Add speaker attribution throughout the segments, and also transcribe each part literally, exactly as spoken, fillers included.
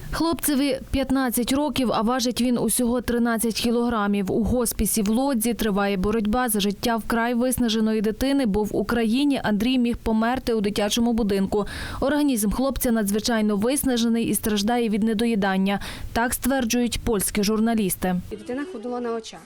Speaker 1: Хлопцеві п'ятнадцять років, а важить він усього тринадцять кілограмів. У госпісі в Лодзі триває боротьба за життя вкрай виснаженої дитини, бо в Україні Андрій міг померти у дитячому будинку. Організм хлопця надзвичайно виснажений і страждає від недоїдання. Так стверджують польські журналісти.
Speaker 2: Дитина худла на очах.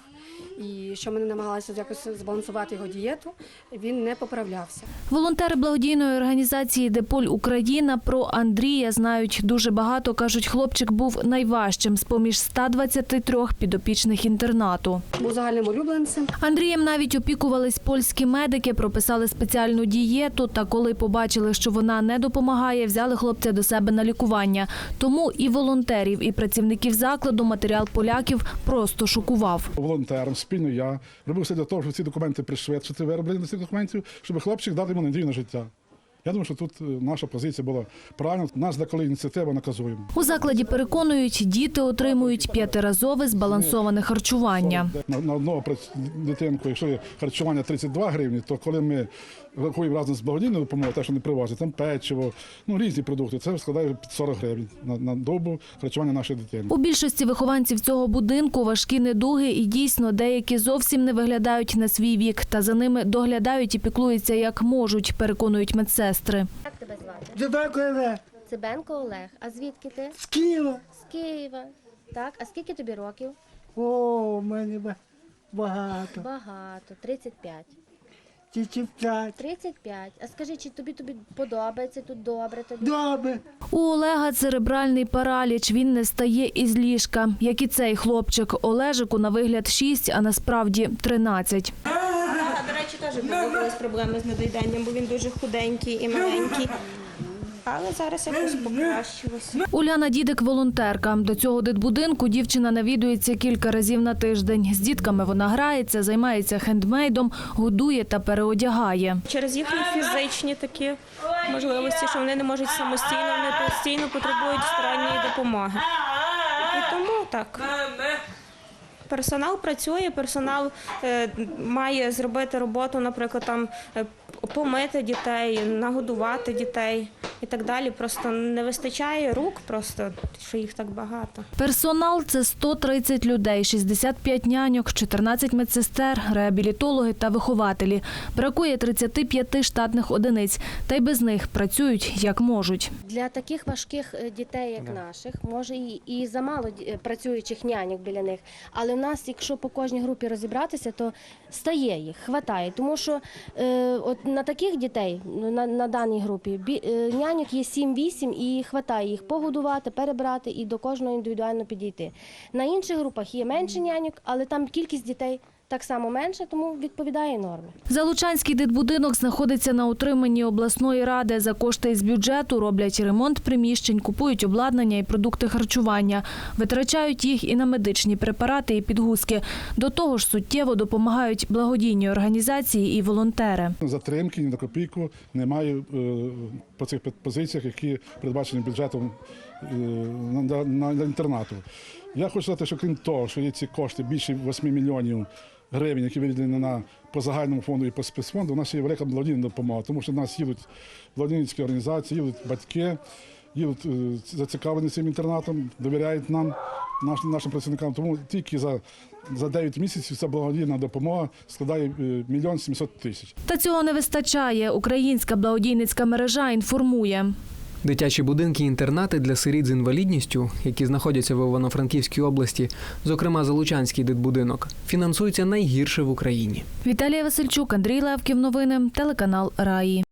Speaker 2: І що ми не намагалися якось збалансувати його дієту, він не поправлявся.
Speaker 1: Волонтери благодійної організації «Деполь Україна» про Андрія знають дуже багато. Кажуть, хлопчик був найважчим з-поміж ста двадцяти трьох підопічних інтернату.
Speaker 2: Був загальним улюбленцем.
Speaker 1: Андрієм навіть опікувались польські медики, прописали спеціальну дієту. Та коли побачили, що вона не допомагає, взяли хлопця до себе на лікування. Тому і волонтерів, і працівників закладу матеріал поляків просто шокував.
Speaker 3: Волонтером спільно я робив все для того, щоб ці документи пришвидшити, вироблення цих документів, щоб хлопчик дати йому надію на життя. Я думаю, що тут наша позиція була правильна. Нас деколи ініціатива наказуємо.
Speaker 1: У закладі переконують, діти отримують п'ятиразове збалансоване харчування.
Speaker 3: На, на одного дитинку, якщо є харчування тридцять два гривні, то коли ми рахуємо разом з благодійною допомогою, те, що не привозять, там печиво, ну різні продукти, це складає сорок гривень на, на добу харчування нашої дитини.
Speaker 1: У більшості вихованців цього будинку важкі недуги і дійсно деякі зовсім не виглядають на свій вік. Та за ними доглядають і піклуються як можуть, переконують медсестри.
Speaker 4: Як тебе звати?
Speaker 5: Цибенко Олег.
Speaker 4: Цибенко Олег. А звідки ти?
Speaker 5: З Києва.
Speaker 4: З Києва. Так, а скільки тобі років?
Speaker 5: О, у мене ба- багато.
Speaker 4: Багато. тридцять п'ять.
Speaker 5: Тільки п'ять.
Speaker 4: тридцять п'ять. А скажи, чи тобі тобі подобається тут добре тобі?
Speaker 5: Добре.
Speaker 1: У Олега церебральний параліч, він не стає із ліжка. Як і цей хлопчик. Олежику на вигляд шість, а насправді тринадцять.
Speaker 6: До речі, теж появились проблеми з недоїданням, бо він дуже худенький і маленький. Але зараз якось покращилося.
Speaker 1: Уляна Дідик – волонтерка. До цього дитбудинку дівчина навідується кілька разів на тиждень. З дітками вона грається, займається хендмейдом, годує та переодягає.
Speaker 6: Через їхні фізичні такі можливості, що вони не можуть самостійно, вони постійно потребують сторонньої допомоги. І тому так. Персонал працює, персонал е, має зробити роботу, наприклад, там е, помити дітей, нагодувати дітей і так далі. Просто не вистачає рук, просто що їх так багато.
Speaker 1: Персонал – це сто тридцять людей, шістдесят п'ять няньок, чотирнадцять медсестер, реабілітологи та вихователі. Бракує тридцяти п'яти штатних одиниць, та й без них працюють як можуть.
Speaker 4: Для таких важких е, дітей, як наших, може і, і замало ді- працюючих няньок біля них. Але в нас, якщо по кожній групі розібратися, то стає їх, хватає. Тому що е, от на таких дітей, ну, на, на даній групі, бі, е, няньок є сім-вісім і хватає їх погодувати, перебрати і до кожного індивідуально підійти. На інших групах є менше няньок, але там кількість дітей так само менше, тому відповідає нормі.
Speaker 1: Залучанський дитбудинок знаходиться на утриманні обласної ради. За кошти із бюджету роблять ремонт приміщень, купують обладнання і продукти харчування. Витрачають їх і на медичні препарати і підгузки. До того ж суттєво допомагають благодійні організації і волонтери.
Speaker 3: Затримки ні на копійку немає е, по цих позиціях, які передбачені бюджетом е, на, на, на інтернату. Я хочу сказати, що крім того, що є ці кошти більше восьми мільйонів гривень, які виділені на по загальному фонду і по спецфонду, у нас є велика благодійна допомога, тому що в нас їдуть благодійницькі організації, їдуть батьки, їдуть е, зацікавлені цим інтернатом, довіряють нам, наш, нашим працівникам. Тому тільки за, за дев'ять місяців ця благодійна допомога складає мільйон сімсот тисяч.
Speaker 1: Та цього не вистачає. Українська благодійницька мережа інформує.
Speaker 7: Дитячі будинки-інтернати для сиріт з інвалідністю, які знаходяться в Івано-Франківській області, зокрема Залучанський дитбудинок, фінансуються найгірше в Україні.
Speaker 1: Віталія Васильчук, Андрій Левків. Новини. Телеканал Раї.